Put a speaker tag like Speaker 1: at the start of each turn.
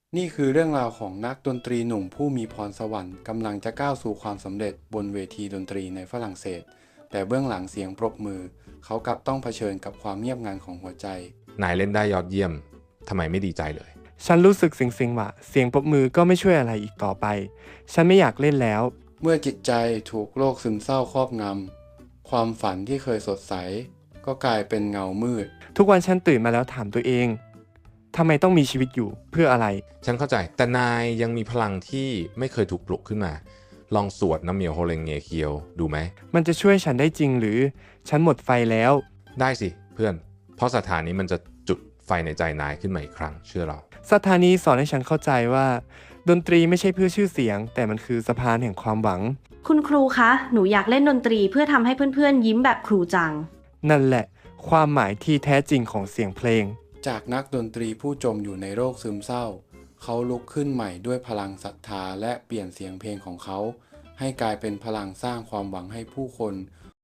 Speaker 1: นี่คือเรื่องราวของนักดนตรีหนุ่มผู้มีพรสวรรค์กำลังจะก้าวสู่ความสำเร็จบนเวทีดนตรีในฝรั่งเศสแต่เบื้องหลังเสียงปรบมือเขากลับต้องเผชิญกับความเงียบงันของหัวใจ
Speaker 2: นายเล่นได้ยอดเยี่ยมทำไมไม่ดีใจเลย
Speaker 3: ฉันรู้สึกสิงว่าเสียงปรบมือก็ไม่ช่วยอะไรอีกต่อไปฉันไม่อยากเล่นแล้ว
Speaker 1: เมื่อจิตใจถูกโรคซึมเศร้าครอบงำความฝันที่เคยสดใสก็กลายเป็นเงามืด
Speaker 3: ทุกวันฉันตื่นมาแล้วถามตัวเองทำไมต้องมีชีวิตอยู่เพื่ออะไร
Speaker 2: ฉันเข้าใจแต่นายยังมีพลังที่ไม่เคยถูกปลุกขึ้นมาลองสวดน้ำเมียวโฮเลงเงเคียวดูไหม
Speaker 3: มันจะช่วยฉันได้จริงหรือฉันหมดไฟแล้ว
Speaker 2: ได้สิเพื่อนเพราะสถานนี้มันจะจุดไฟในใจนายขึ้นมาอีกครั้งเชื่อเรา
Speaker 3: สถานีสอนให้ฉันเข้าใจว่าดนตรีไม่ใช่เพื่อชื่อเสียงแต่มันคือสะพานแห่งความหวัง
Speaker 4: คุณครูคะ หนูอยากเล่นดนตรีเพื่อทำให้เพื่อนๆยิ้มแบบครูจัง
Speaker 3: นั่นแหละความหมายที่แท้จริงของเสียงเพลง
Speaker 1: จากนักดนตรีผู้จมอยู่ในโรคซึมเศร้าเขาลุกขึ้นใหม่ด้วยพลังศรัทธาและเปลี่ยนเสียงเพลงของเขาให้กลายเป็นพลังสร้างความหวังให้ผู้คน